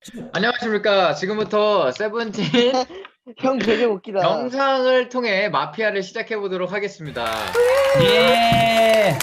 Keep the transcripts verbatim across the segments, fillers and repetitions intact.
안녕하십니까. 지금부터 세븐틴 형 배경 웃기다. 영상을 통해 마피아를 시작해 보도록 하겠습니다. 예.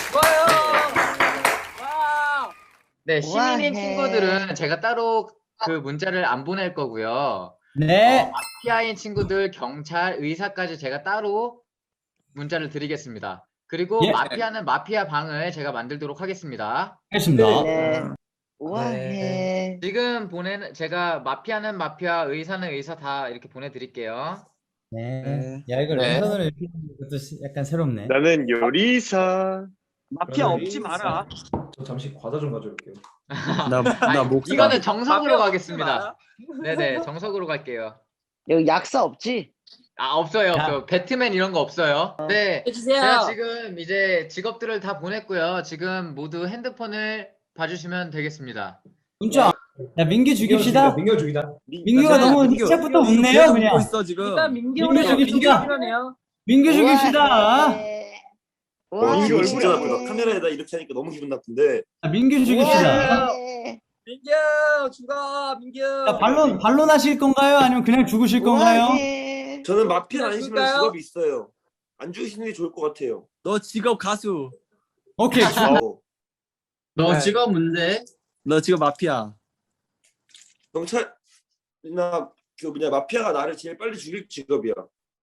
네, 시민인 우아해. 친구들은 제가 따로 그 문자를 안 보낼 거고요. 네. 어, 마피아인 친구들, 경찰, 의사까지 제가 따로 문자를 드리겠습니다. 그리고 예. 마피아는 마피아 방을 제가 만들도록 하겠습니다. 알겠습니다. 네. 우아해. 지금 보내는 제가 마피아는 마피아, 의사는 의사 다 이렇게 보내드릴게요. 네. 야, 이거 네. 랜선으로 이렇게 하는 것도 시- 약간 새롭네. 나는 요리사. 마피아 없지 마라. 저 잠시 과자 좀 가져올게요. 아니, 나나 목사. 이거는 정석으로 마피아 가겠습니다. 네네, 정석으로 갈게요. 여기 약사 없지? 아, 없어요, 야. 없어요. 배트맨 이런 거 없어요. 네, 해주세요. 제가 지금 이제 직업들을 다 보냈고요. 지금 모두 핸드폰을 봐주시면 되겠습니다. 문자. 야, 민규 죽입시다. 민규 죽이다. 민규가 너무 시작부터 웃네요, 그냥. 있어 지금. 일단 민규 민규는 죽입시다. 필요하네요. 민규 죽입시다. 우아해. 어, 우아해. 민규 얼굴이 진짜 나쁘다. 카메라에다 이렇게 하니까 너무 기분 나쁜데. 아, 민규 죽입시다. 우아해. 민규 죽어 민규. 자, 반론 반론 하실 건가요? 아니면 그냥 죽으실 건가요? 우아해. 저는 마피아 아니시면 그럴까요? 직업이 있어요. 안 죽이시는 게 좋을 것 같아요. 너 직업 가수. 오케이. 어, 너 네. 직업 문제. 너 직업 마피아. 경찰이나 그 뭐냐 마피아가 나를 제일 빨리 죽일 직업이야.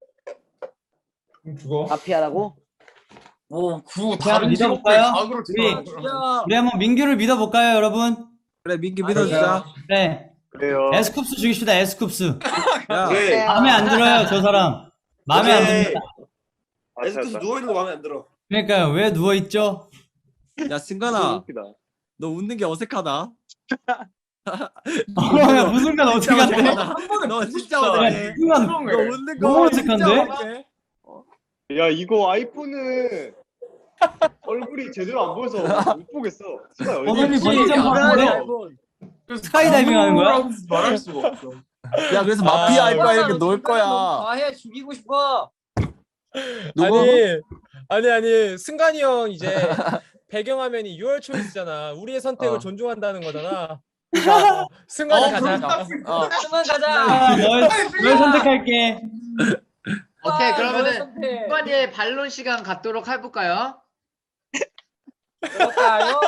그럼 죽어. 마피아라고? 오, 구 자, 믿어볼까요? 과거로 우리 죽여. 우리 한번 민규를 믿어볼까요, 여러분? 그래 민규 믿어주자. 네. 그래요. 에스쿱스 죽입시다. 에스쿱스. 야, 그래. 마음에 안 들어요, 저 사람. 마음에 안 그래. 듭니다. 에스크스 누워 있는 거 마음에 안 들어. 그러니까요. 왜 누워 있죠? 야 승관아, 웃기다. 너 웃는 게 어색하다. 어, 야, 무슨 간 어떻게 진짜 간대? 어색하다. 너 진짜 야, 어색해. 순간 너 웃는 거 너무 진짜 어색한데? 어색해. 야, 이거 아이폰은 얼굴이 제대로 안 보여서 못 보겠어. 시간 어디 번호니 있지? 번호 좀 바꾸는데? 스카이다이빙 하는 거야? 말할 수가 없어. 야 그래서 마피아 할 거야 이렇게 놀 거야. 아해 죽이고 싶어. 누구? 아니 아니 아니 승관이 형 이제 배경화면이 유월 초이스잖아. 우리의 선택을 어. 존중한다는 거잖아. 그러니까 승관이 어, 가자. 어. 그만 가자. 아, 널, 널 선택할게. 오케이, 아, 그러면은 너의 선택. 후반기에 반론 시간 갖도록 해볼까요? 그럴까요?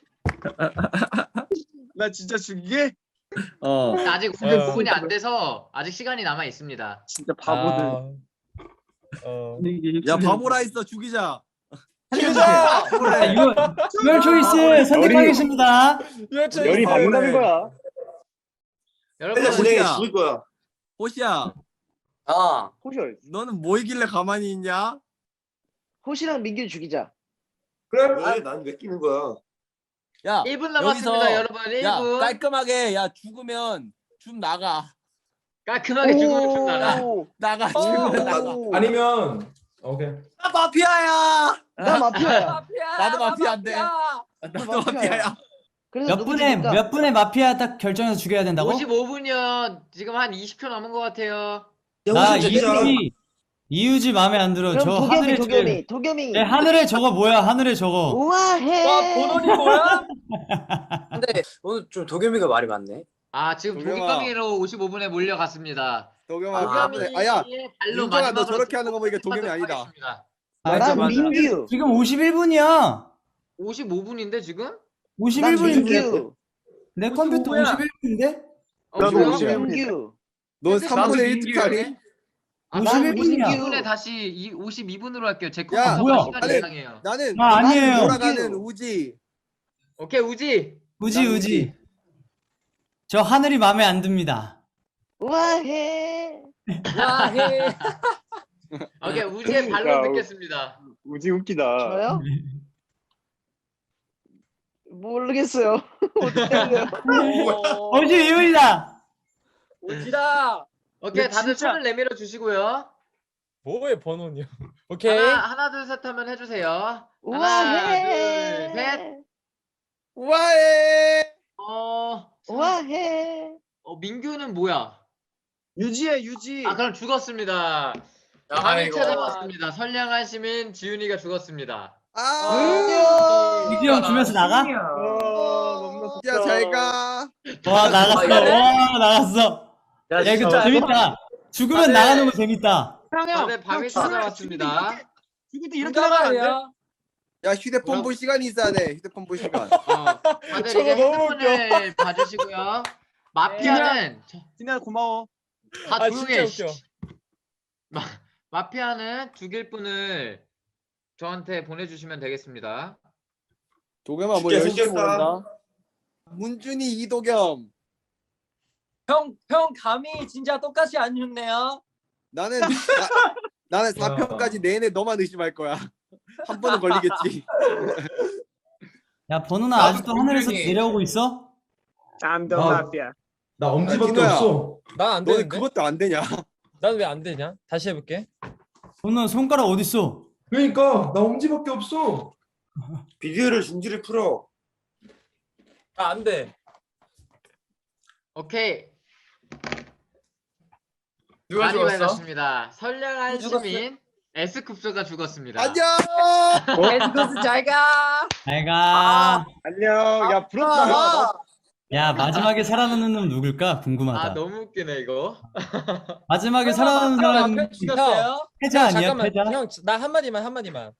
나 진짜 죽이게? 어. 아직 오십오 분이 안 돼서 아직 시간이 남아 있습니다. 진짜 아, 어. 야 바보라 있어 죽이자. 자, 유- 유월 초이스 선택하겠습니다. 유월 초이스. 열이 받는다는 거야. 여러분, 내가 진짜 호시야. 죽일 거야. 호시야, 어. 호시얼. 너는 뭐이길래 가만히 있냐? 호시랑 민규 죽이자. 왜? 난 왜 끼는 거야? 야 일 분 남았습니다, 여기서- 여러분. 야 일 분. 깔끔하게 야 죽으면 좀 나가. 깔끔하게 죽으면 좀 나가. 오. 나가 죽으면 나가. 오. 아니면 오케이. 나 마피아야. 나 마피아야. 마피아. 나도 마피아인데. 마피아. 나도 마피아야. 그래서 몇 누구 분에 죽일까? 몇 분에 마피아 딱 결정해서 죽여야 된다고? 오십오 분이요. 지금 한 이십 초 남은 것 같아요. 야, 나 호시 죽이자. 이유지 이유지 마음에 안 들어. 그럼 저 도겸이 하늘에 도겸이 도겸이. 저, 하늘에 저거 뭐야? 하늘에 저거. 우아해. 와 본원이 뭐야? 근데 오늘 좀 도겸이가 말이 많네. 아, 지금 도겸아. 도겸이로 오십오 분에 몰려갔습니다. 도겸아. 아, 도겸이 아야. 발로 윤정아, 너 마지막으로 저렇게 하는 거 보니까 도겸이 하도록 아니다. 하겠습니다. 맞아, 난 맞아. 민규. 지금 오십일 분이야. 오십오 분인데 지금? 난 오십일 분인데. 민규. 내 컴퓨터 오십오 분이야. 오십일 분인데? 어, 나도 뭐야? 오십일 민규. 너 삼분의 일 특하니? 아, 오십일 난 분이야. 오십이 분에 다시 이 오십이 분으로 할게요. 제 야, 컴퓨터 뭐야? 시간이 아니, 이상해요. 나는 아, 아니에요. 돌아가는 우지. 오케이, 우지. 우지 난 우지. 저 하늘이 마음에 안 듭니다. 우아해. 야해. 오케이, 우지의 야, 발로 우- 듣겠습니다. 우지 웃기다. 저요? 모르겠어요. 어떻게 해야 돼요? 오십이 분이다. 오지라. 오케이, 근데 다들 진짜- 손을 내밀어 주시고요. 뭐의 번호냐? 오케이. 하나, 하나, 둘, 셋 하면 해주세요. 하나, 우아해. 둘, 셋. 우아해. 어, 우아해. 어, 민규는 뭐야? 유지해 유지. 아, 그럼 죽었습니다. 감히 찾아왔습니다. 선량한 시민 지훈이가 죽었습니다. 아. 민규 형 주면서 나가? 아, 너무 야, 잘 가. 와 나갔어. 와 나갔어. 야 이거 진짜 재밌다. 죽으면 네. 나가는 거 재밌다. 다들 밤이 찾아왔습니다. 죽을 때 이렇게 나가면 안 돼? 야 휴대폰 뭐라고? 볼 시간이 있어야 돼. 휴대폰 볼 시간. 어, 다들 저거 이제 너무 핸드폰을 봐주시고요. 마피아는 진아 고마워. 다 아, 조용해. 진짜 웃겨. 씨. 마, 마피아는 죽일 분을 저한테 보내주시면 되겠습니다. 도겸아 뭐 진짜 열심히 생겼다. 모른다. 문준이 이도겸. 형, 형 감이 진짜 똑같이 안 좋네요. 나는 나, 나는 사 편까지 내내 너만 의심할 거야. 한 번은 걸리겠지. 야 번호나 아직도 하늘에서 내려오고 있어? I'm the mafia. 나 엄지밖에 진호야. 없어. 난 안 너는 되는데. 그것도 안 되냐? 난 왜 안 되냐? 다시 해볼게. 번호 손가락 어디 있어? 그러니까 나 엄지밖에 없어. 비디오를 중지를 풀어. 아, 안 돼. 오케이. 누가 많이 죽었어? 밝았습니다. 선량한 죽었어? 시민 에스쿱소가 죽었습니다. 안녕. 에스코스 잘 가. 잘가. 안녕. 야 부럽다. 야 마지막에 살아남는 놈 누굴까 궁금하다. 아 너무 웃기네 이거. 마지막에 살아남는 사람 마피아 죽였어요? 패자 아니야 잠깐만, 패자? 형, 나 한마디만 한마디만.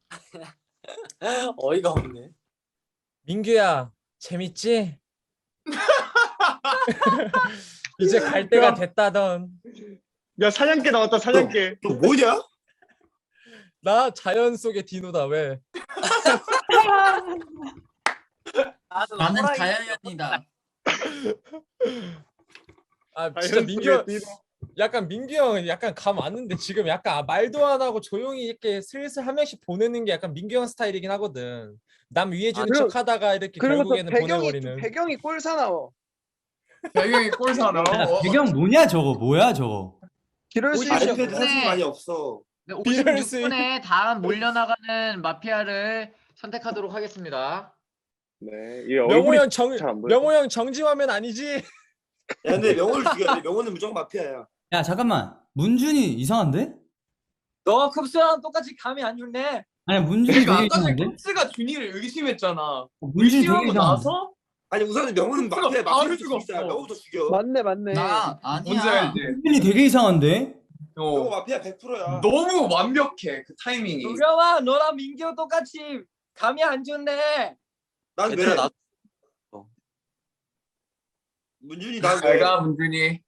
어이가 없네. 민규야, 재밌지? 이제 갈 때가 됐다던. 야 사냥개 나왔다 사냥개. 너 뭐냐? 나 자연 속의 디노다 왜? 나는 자연인이다. 아 진짜 민규 형, 자연스레 약간 민규 형 약간 감 왔는데 지금 약간 말도 안 하고 조용히 이렇게 슬슬 한 명씩 보내는 게 약간 민규 형 스타일이긴 하거든. 남 위해 주는 아, 그리고- 척하다가 이렇게 그리고 또 결국에는 배경이 보내버리는. 배경이 꼴사나워. 배경이 꼴사나. 야, 배경 뭐냐 저거 뭐야 저거? 기럴 수 오십 있어. 아이패드 사진 많이 없어. 네, 비열 오십육 분에 다음 몰려나가는 마피아를 선택하도록 하겠습니다. 네. 이 명호 얼굴이 형 정, 잘안 보여. 명호 형 정지화면 아니지? 야 근데 명호를 죽여야 돼. 명호는 무조건 마피아야. 야 잠깐만 문준이 이상한데? 너 쿱스랑 똑같이 감이 안 좋네. 아니 문준이 되게 이상한데? 쿱스가 준이를 의심했잖아. 어, 문준이 되게 이상한데? 아니 우선은 명호는 마피아 바로 마피아 죽었어. 죽였어. 명호부터 죽여. 맞네 맞네. 나 아니야. 문준이 되게 이상한데? 명호 마피아 백 퍼센트야. 너무 완벽해 그 타이밍이. 도겸아 너랑 민규 똑같이 감이 안 좋네. 난 왜? 얘들아, 나- 문준이 난 왜? 문준이.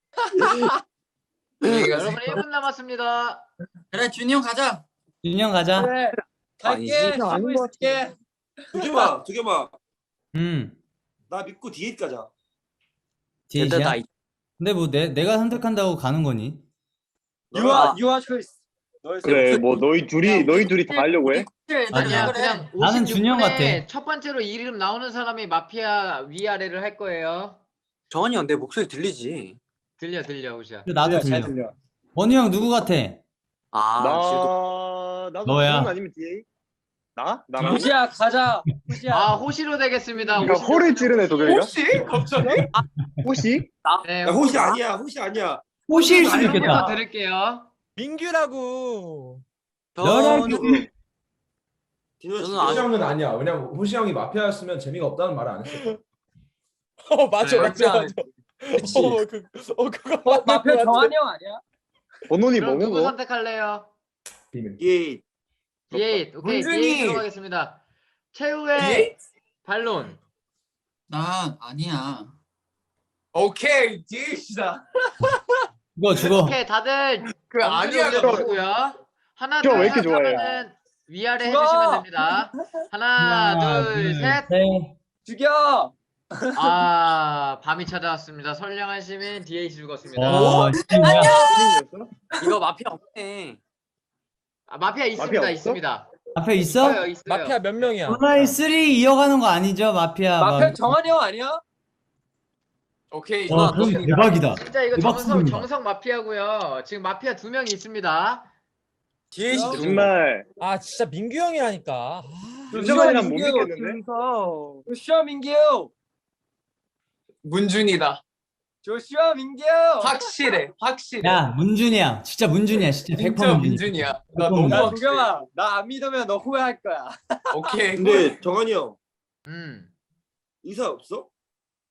여러분 일 분 남았습니다. 그래 준이 형 가자. 준영 가자. 그래. 갈게. 아니지. 쉬고 있을게. 두겸아, 두겸아, 음. 나 믿고 디에잇 가자. 제이시야? 근데 뭐 내, 내가 선택한다고 가는 거니? 유아 유아 초이스. 그래 뭐 너희 둘이 너희 둘이 다 하려고 해? 아니야 그냥 나는 준영 같아. 오십육 분에 첫 번째로 이름 나오는 사람이 마피아 위아래를 할 거예요. 정한이 형 내 목소리 들리지? 들려 들려 우시야. 근데 나도 잘 들려. 들려. 원우 형 누구 같아? 아 나 나도 너야. 준영 아니면 디에잇? 나? 나랑? 후시야 가자. 후시야. 아 호시로 되겠습니다. 그러니까 호시로 호를 찌르네 도겸이가? 혹시 갑자기? 호시? 네, 야 호시 아니야, 호시 아니야. 호시일 수도 이름부터 있겠다. 드릴게요. 민규라고. 너랑 디노 저는 죽여. 호시 형은 아니야. 왜냐면 호시 형이 마피아였으면 재미가 없다는 말을 안 했어. 어 맞아 네, 맞아 맞지 맞아. 그치. 어, 그, 어 그거 어, 맞는 마피아 것 같아. 정한이 형 아니야? 번호니 그럼 누구 뭐고? 선택할래요? 비밀. 디에잇. 디에잇. 오케이 문준이. 디에잇 들어가겠습니다. 최후의 디에잇? 반론. 난 아니야. 오케이 디에잇이다. 죽어 죽어. 오케이 다들 그 엄지를 아니야. 올려주시고요. 하나 저왜 둘 이렇게 셋 좋아해요? 하면은 위아래 죽어! 해주시면 됩니다. 하나, 둘, 셋. 죽여. 아 밤이 찾아왔습니다. 선량한 시민 디에잇이 죽었습니다. 와, 진짜. 이거 마피아 없네. 아, 마피아 있습니다. 마피아 없어? 있습니다. 앞에 있어? 있어요, 있어요. 마피아 몇 명이야? 온라인 삼 이어가는 거 아니죠 마피아? 마피아 막- 정한이 형 아니야? 오케이 와 이거 그럼 너 대박이다. 진짜 이거 대박 정성 수준이다. 정성 마피아고요. 지금 마피아 두 명이 있습니다. 디에잇이 정말 아 진짜 민규 형이라니까. 아, 윤정환이랑 못 민규, 믿겠는데? 조슈아 민규. 문준이다. 조슈아 민규. 확실해 확실해. 야 문준이야 진짜 문준이야 진짜 백 퍼센트 진짜 문준이. 문준이야. 나 백 퍼센트 너무 야 문준이. 확실해. 도겸아 나 안 믿으면 너 후회할 거야. 오케이. 근데 정한이 형 음. 의사 없어?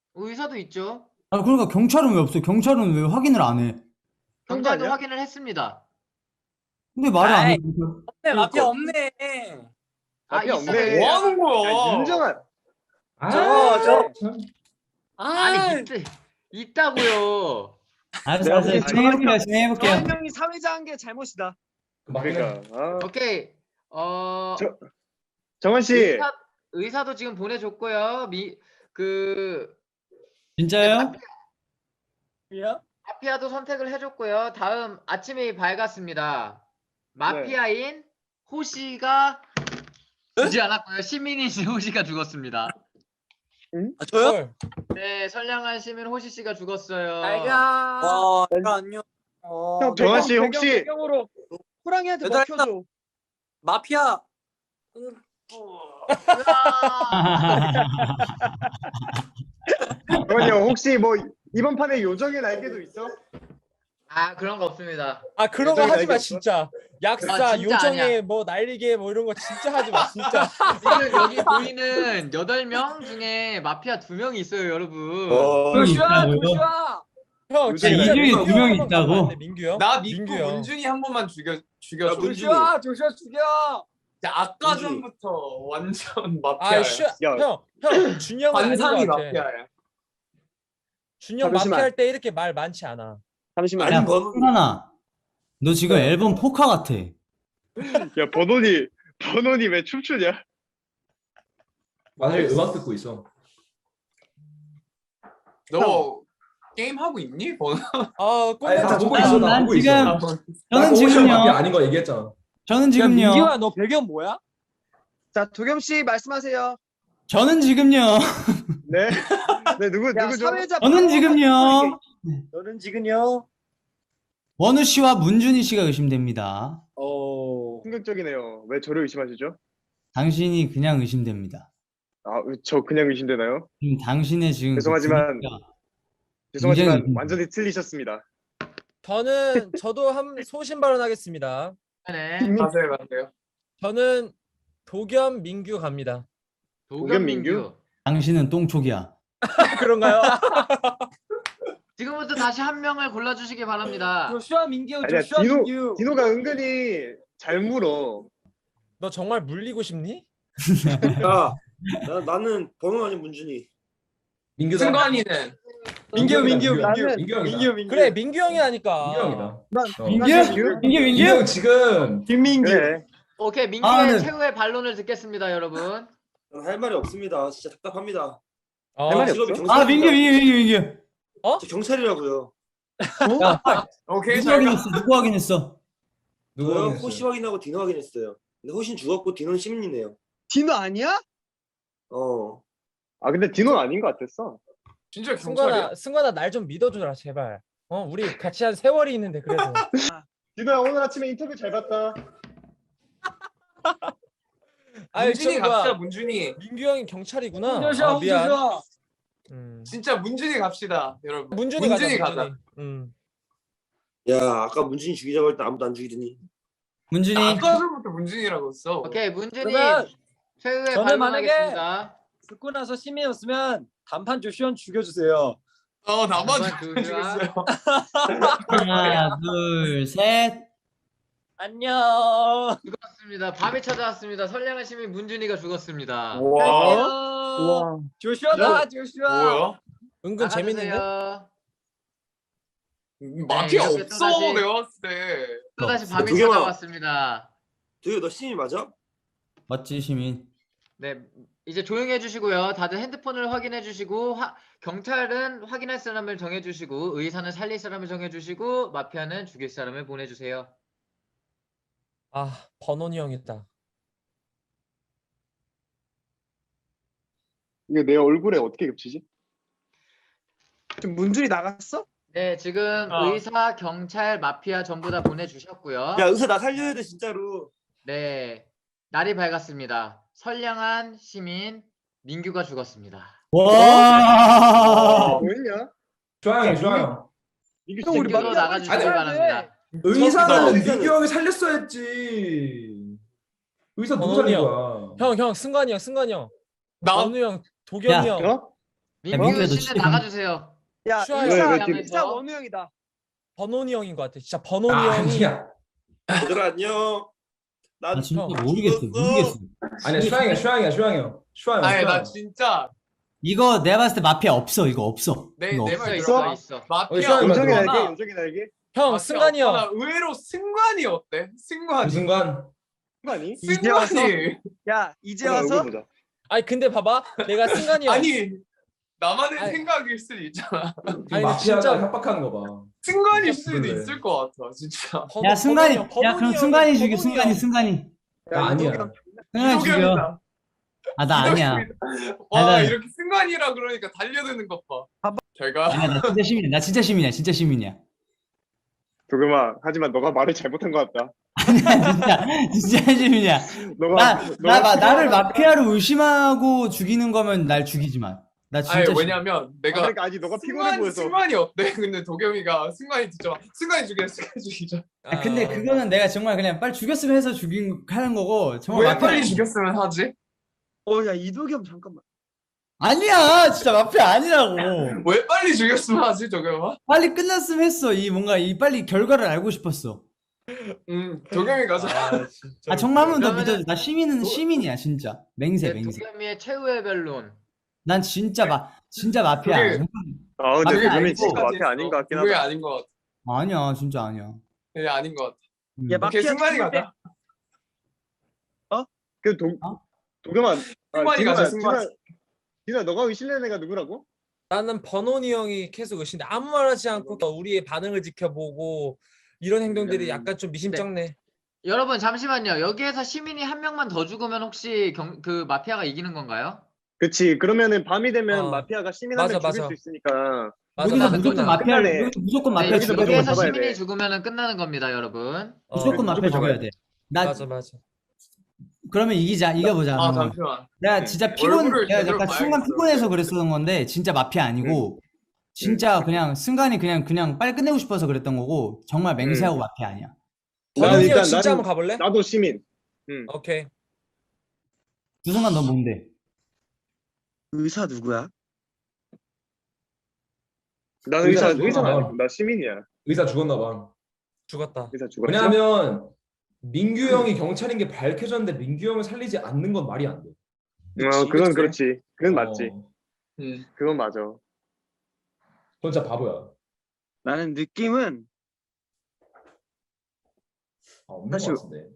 의사도 있죠. 아 그러니까 경찰은 왜 없어? 경찰은 왜 확인을 안 해? 경찰도 아니야? 확인을 했습니다. 근데 말을 안 아이. 해. 없네 마피아 없네. 아, 마피아 있어요. 없네. 뭐 하는 거야? 윤정아. 아, 저- 참. 아니, 있, 있다고요. 알았어, 내가 알았어. 보기엔 진행해볼게요, 진행해볼게요. 명이 사회자한 게 잘못이다. 그러니까. 아. 오케이. 어, 저- 정원 씨. 의사, 의사도 지금 보내줬고요. 미, 그, 진짜요? 마피아? 마피아도 선택을 해줬고요. 다음 아침이 밝았습니다. 마피아인 호시가 죽지 않았고요. 시민인 호시가 죽었습니다. 아, 저요? 헐. 네, 선량한 시민 호시 씨가 죽었어요. 알가. 와, 내가 안녕. 어, 형, 정원 씨 배경, 혹시 배경, 배경으로 호랑이한테 얘들아, 먹혀줘. 마피아. 응. 정원이 형 혹시 뭐 이번 판에 요정의 날개도 있어? 아, 그런 거 없습니다. 아 그런 거 요정이 하지 마 알겠어? 진짜. 약사, 아, 진짜 요정의 아니야. 뭐 날개 뭐 이런 거 진짜 하지 마 진짜. 지금 여기 보이는 여덟 명 중에 마피아 두 명이 있어요, 여러분. 어, 조슈아 있다고요? 조슈아. 형 요정이 진짜 날개. 민규 이 중에 두 명이 한번 있다고? 가면 안 돼, 민규 형. 나 민규 믿고 형. 문준이 한 번만 죽여 야, 죽여줘. 문준이. 조슈아 조슈아 죽여. 야, 아까 문준이. 전부터 완전 마피아야. 아 슈, 야. 형, 형 준영은 아닌 것 관상이 같아. 마피아야. 준영 잠시만. 마피아 할 때 이렇게 말 많지 않아. 잠시만. 야, 번호. 하나. 너 지금 네. 앨범 포카 같아. 야, 번호니 번호니 왜 춤추냐? 만약에 음악 듣고 있어. 너 게임 하고 있니? 번호? 아 아니, 나 꼰대 보고 난- 있어. 나 난 보고 지금- 있어. 저는 나 오션 마피아 지금요. 아닌 거 얘기했잖아. 저는 지금요. 민규야 너 배경 뭐야? 자, 도겸 씨 말씀하세요. 저는 지금요. 네. 네, 누구 야, 누구죠? 사회자. 저는 지금요. 너는 지금요? 원우 씨와 문준희 씨가 의심됩니다. 어. 충격적이네요. 왜 저를 의심하시죠? 당신이 그냥 의심됩니다. 아, 저 그냥 의심되나요? 지금 당신의 지금 그 죄송하지만- 분위기가 죄송하지만 굉장히 완전히 틀리셨습니다. 저는 저도 한 소신 발언하겠습니다. 네. 맞아요, 맞아요. 저는 도겸 민규 갑니다. 도겸민규. 당신은 똥촉이야. 그런가요? 지금부터 다시 한 명을 골라주시기 바랍니다. 조슈아 민규 아니야, 조슈아 디노 민규. 디노가 은근히 잘 물어. 너 정말 물리고 싶니? 야, 나, 나는 번호 아닌 문준이. 민규다. 승관이는 민규 민규 민규야. 민규 민규 형이다. 민규 민규. 그래 민규 형이라니까. 민규 형이다. 난, 어. 민규? 민규 민규 민규? 형 지금 김민규. 그래. 오케이, 민규의 아, 네. 최후의 반론을 듣겠습니다, 여러분. 난 할 말이 없습니다. 진짜 답답합니다. 어, 할 말이 직업이 없어? 경찰입니다. 아 민규 민규 민규 민규. 저 경찰이라고요. 오케이 누구 잘 가. 확인했어? 누구 확인했어? 누구 저요? 확인했어요? 호시 확인하고 디노 확인했어요. 근데 호신 죽었고 디노는 시민이네요. 디노 아니야? 어. 아, 근데 디노는 아닌 것 같았어. 진짜 경찰이야? 승관아 승관아 날 좀 믿어줘라 제발. 어 우리 같이 한 세월이 있는데 그래도. 디노야, 오늘 아침에 인터뷰 잘 봤다. 아이 문준이 저기 갑시다, 뭐야. 문준이. 민규 형이 경찰이구나. 조슈아 아, 미안. 조슈아. 음. 진짜 문준이 갑시다, 여러분. 문준이, 문준이 가자. 가자. 문준이. 음. 야, 아까 문준이 죽이자고 할 때 아무도 안 죽이더니. 문준희. 아까 전부터 문준이라고 했어. 오케이, 문준이 그러면 최후의 저는 반론하겠습니다. 듣고 나서 시민이었으면 단판 조슈아 죽여주세요. 어, 나만 한번 죽였어요. 하나 둘 셋. 안녕. 죽었습니다. 밤이 찾아왔습니다. 선량한 시민 문준이가 죽었습니다. 와, 안녕. 조슈아다 조슈아. 뭐야? 은근 재밌는데. 나가주세요. 마피아 네, 이렇게 없어, 또다시- 내가 봤을 때. 또다시 없어. 밤이 도겸아. 찾아왔습니다. 도겸, 너 시민 맞아? 맞지 시민. 네, 이제 조용히 해주시고요. 다들 핸드폰을 확인해 주시고, 화- 경찰은 확인할 사람을 정해 주시고, 의사는 살릴 사람을 정해 주시고, 마피아는 죽일 사람을 보내주세요. 아 번원이 형이다. 이게 내 얼굴에 어떻게 겹치지? 지금 문준이 나갔어? 네, 지금 어. 의사, 경찰, 마피아 전부 다 보내주셨고요. 야, 의사 나 살려야 돼, 진짜로. 네, 날이 밝았습니다. 선량한 시민 민규가 죽었습니다. 와. 뭐했냐? 좋아요, 좋아요. 이게 형, 우리 진짜 민규로 마피아 나가주시기 아니, 바랍니다. 의사는 의사는- 민규 형이 살렸어야지. 의사 누구 번원이 살린 형. 거야? 형 형 승관이 형 승관이 형. 나 원우 형 도겸이 야. 형. 어? 민규 민규야, 너 씨는 진짜 나가주세요. 야 슈아야, 의사 왜, 왜 뒤로- 의사 원우 형이다. 번원이 형인 것 같아. 진짜 번원이 아, 형이. 아니야. 얘들아 안녕. 난 나 진짜 형, 모르겠어. 모르겠어. 아니야 슈양이야 슈양이야 슈양이 형. 슈양. 아니 나 진짜 이거 내가 봤을 때 마피아 없어. 이거 없어. 내 이거 내 없어. 말 있어 들어봐. 있어 있어. 마피아 슈아야, 요정이 맞아. 날개, 요정이 날개. 형 마피아 승관이 없잖아. 형. 의외로 승관이 어때? 승관이. 그 순간 아니? 이제 와서? 승관이. 야 이제 얼굴 와서 보자. 아니 근데 봐봐. 내가 승관이 형. 아니 나만의 아니. 생각일 수도 있잖아. 아니, 마피아가 진짜- 협박하는 거 봐. 승관일 진짜 수도 그래. 있을 것 같아 진짜. 번- 야 승관이. 번원이 형, 야 그럼 번원이 승관이 형은 죽여. 번원이 승관이 형. 승관이. 나 아니야. 이도겸 승관이 죽여. 이도겸이다. 아 나 아니야. 와 아니, 나- 이렇게 승관이라 그러니까 달려드는 것 봐. 잘가. 아니야 나 진짜 시민이야. 나 진짜 시민이야. 진짜 시민이야. 도겸아, 하지만 너가 말을 잘못한 것 같다. 아니야 진짜 진짜 시민이야. 너가 나, 너가 나, 나, 나를 필요하다. 마피아로 의심하고 죽이는 거면 날 죽이지만. 나 진짜. 아니 시- 왜냐면 아, 내가 그러니까 아직 너가 피곤해 승관이 보여서. 승관이 어때? 근데 도겸이가 승관이 듣죠. 승관이 죽여 승관이 죽이자. 아, 근데 그거는 내가 정말 그냥 빨리 죽였으면 해서 죽인 하는 거고 정말 왜 마피아 빨리 죽였으면 하지? 어야 이도겸 잠깐만. 아니야 진짜 마피아 아니라고. 왜 빨리 죽였으면 하지 도겸아? 빨리 끝났으면 했어. 이 뭔가 이 빨리 결과를 알고 싶었어. 음 도겸이 가자. 아 진짜. 아 정말 한 번 더 그러면은- 믿어줘. 나 시민은 도- 시민이야 진짜. 맹세 이제 맹세. 도겸이의 최후의 변론. 난 진짜 마 진짜 마피아. 그게- 아 근데 마피아 도겸이 아니고 진짜 마피아 아닌 것 같긴 그게 하다. 아닌 것 같아. 아니야 진짜 아니야. 그게 아닌 것 같아. 음. 야, 오케이 마피아 승관이 죽을 때- 가자. 그 도, 어? 도겸아, 승관이 가자, 승관. 진아, 진아, 너가 의심되는 애가 누구라고? 나는 번원이 형이 계속 의심돼. 아무 말하지 않고 우리의 반응을 지켜보고 이런 행동들이 음. 약간 좀 미심쩍네. 여러분 잠시만요. 여기에서 시민이 한 명만 더 죽으면 혹시 경, 그 마피아가 이기는 건가요? 그치. 그러면은 밤이 되면 어. 마피아가 시민 한 맞아, 명 죽일 맞아. 수 있으니까. 맞아, 여기서 맞아, 무조건 맞아. 마피아 끝나네. 여기서 무조건 네, 마피아 여기서, 죽여야 돼. 여기에서 잡아야 시민이 돼. 죽으면 끝나는 겁니다, 여러분. 어, 무조건 마피아 무조건 죽여야 잡아야 돼. 나 맞아 맞아. 그러면 이기자. 이겨보자. 아 한번. 잠시만. 내가 진짜 피곤, 얼굴을 내가 제대로 약간 순간 봐야겠어. 피곤해서 그랬었던 건데 진짜 마피아 아니고 진짜 그냥 순간이 그냥 그냥 빨리 끝내고 싶어서 그랬던 거고 정말 맹세하고 마피아 아니야. 난 번원이 형 일단 진짜 나는- 한번 가볼래? 나도 시민. 오케이. 두순간 너 뭔데? 의사 누구야? 나는 의사, 의사 의사 죽었나 아니고 나 시민이야. 의사 죽었나 봐. 죽었다. 의사 죽었지? 왜냐하면 민규 형이 경찰인 게 밝혀졌는데 민규 형을 살리지 않는 건 말이 안 돼. 어, 그건 그치? 그렇지. 그건 맞지. 어, 음. 그건 맞아. 그건 진짜 바보야. 나는 느낌은 아, 없는 사실- 것 같은데.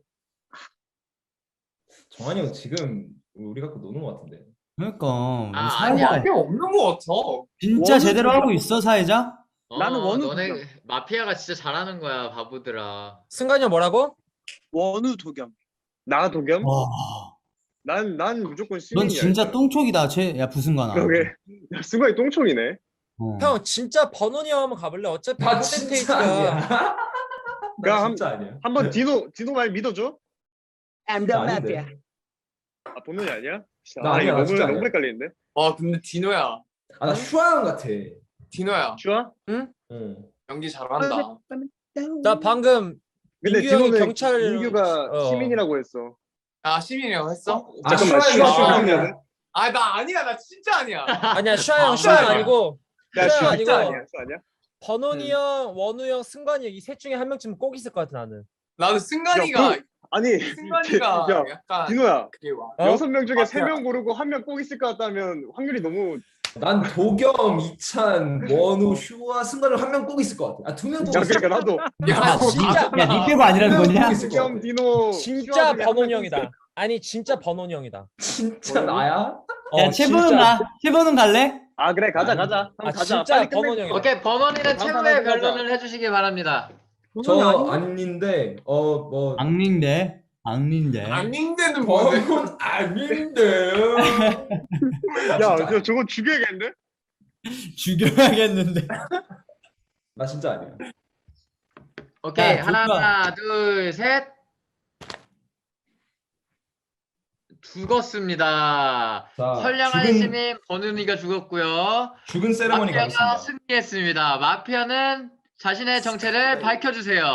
정한이 형 지금 우리 갖고 노는 것 같은데. 그러니까 뭐 아, 사회자 아니야. 그게 없는 것 같아. 진짜 원우 제대로 죽여. 하고 있어 사회자? 어, 나는 원우 너네 도겸. 마피아가 진짜 잘하는 거야, 바보들아. 승관이 형 뭐라고? 원우 도겸. 나 도겸? 와, 난, 난 무조건 시민이야. 넌 진짜 일단. 똥촉이다. 쟤, 야 부승관아. 그러게. 야, 승관이 똥총이네. 어. 형 진짜 번원이 형 한번 가볼래? 어차피 나 진짜 퍼센테이지가 아니야. 나 야, 진짜 아니야. 한번 디노, 디노 말 믿어줘? I'm 나 아닌데. 아, 본론이 아니야? 나 아, 아니야, 이거 나 너무, 진짜 너무 아니야. 헷갈리는데? 아 근데 디노야. 아, 나 슈아 형 같아. 디노야. 슈아? 응. 연기 잘한다. 나 방금 근데 민규 형이 디노는 경찰- 민규가 어. 시민이라고 했어. 아 시민이라고 했어? 아, 잠깐만, 슈아 슈아 형이 슈아 형이야. 형이야. 아 나 아니야. 나 진짜 아니야. 아니야 슈아 형 아, 슈아 아니야. 아니고 야, 슈아 슈아 아니고 진짜 아니야. 슈아 아니야? 번원이 음. 형, 원우 형, 승관이 형 이 셋 중에 한 명쯤은 꼭 있을 것 같아 나는. 나는 승관이가 야, 아니, 승관이가 야, 약간 디노야. 그게 와. 어? 여섯 명 중에 아, 세 명 고르고 한 명 꼭 있을 것 같다면 확률이 너무. 난 도겸, 이찬, 원우, 슈아, 승관을 한 명 꼭 있을 것 같아. 아, 두 명 꼭 야, 있을 것 그러니까 나도. 야 진짜 야, 니 빼고 아니라는 두 거냐? 명 있을 것 도겸, 같아. 디노. 진짜 슈아 중에 한 번원이 명 형이다. 아니 진짜 번원이 형이다. 진짜 나야? 어, 야, 채보는 진짜. 가. 채보는 갈래? 아, 그래, 가자, 가자. 아 한번 가자. 진짜 빨리 끝내. 번원이 형이다. 오케이, 번원이는 다음 최후의 판에 하자. 변론을 해주시기 바랍니다. 저 아닌데 어 뭐 악린데. 악린데. 아닌데는 뭐지? 범은 아닌데. 야, 야, 저거 죽여야겠는데? 죽여야겠는데. 나 진짜 아니야. 오케이, 야, 하나, 둘, 셋. 죽었습니다. 자, 선량한 죽은 시민 번은이가 죽었고요. 죽은 세레머니 마피아가 가겠습니다. 승리했습니다. 마피아는 자신의 정체를 밝혀주세요.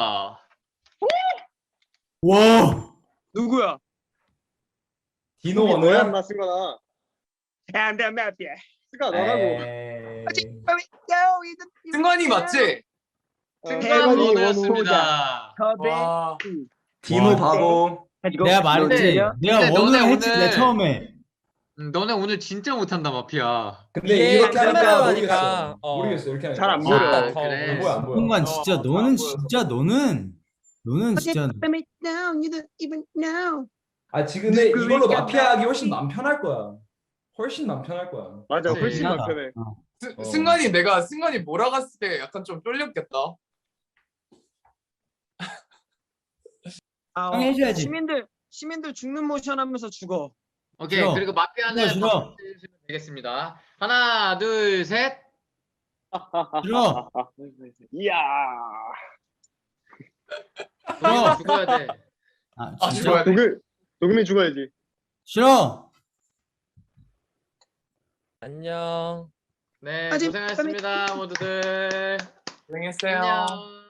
와. 누구야? 디노 뭐야, 원우야? 인마 쓴 거나. I'm the mafia. 스가 너라고. 에이. 승관이 맞지? 승관 원우 원우였습니다. 와. 디노 바보. 내가 말했지. 근데 내가 너네 원우를 했지 오늘- 내 처음에. 음, 너네 오늘 진짜 못한다 마피아. 근데 이게 이렇게 하니까 카메라로 모르겠어. 하니까, 어. 모르겠어 이렇게 하니까. 잘 안 아, 보여. 더 그래. 안 보여 안 보여. 순간 어, 진짜 안 너는 보여서. 진짜 너는 너는 진짜 아 지금 근데 이걸로 마피아하기 훨씬 맘 편할 거야. 훨씬 맘 편할 거야. 맞아, 그치. 훨씬 편하다. 편해. 어. 스- 어. 승관이 내가 승관이 몰아갔을 때 약간 좀 쫄렸겠다. 아, 형이 해줘야지. 시민들 시민들 죽는 모션 하면서 죽어. 오케이. 싫어. 그리고 마피아는 싫어, 싫어. 박수 해주시면 되겠습니다. 하나, 둘, 셋. 싫어. 이야. 도겸이 죽어야 돼. 아 아, 진짜 죽어야 돼. 도겸 도겸이 죽어야지. 싫어. 안녕. 네, 아직- 고생하셨습니다, 모두들. 고생했어요. 안녕.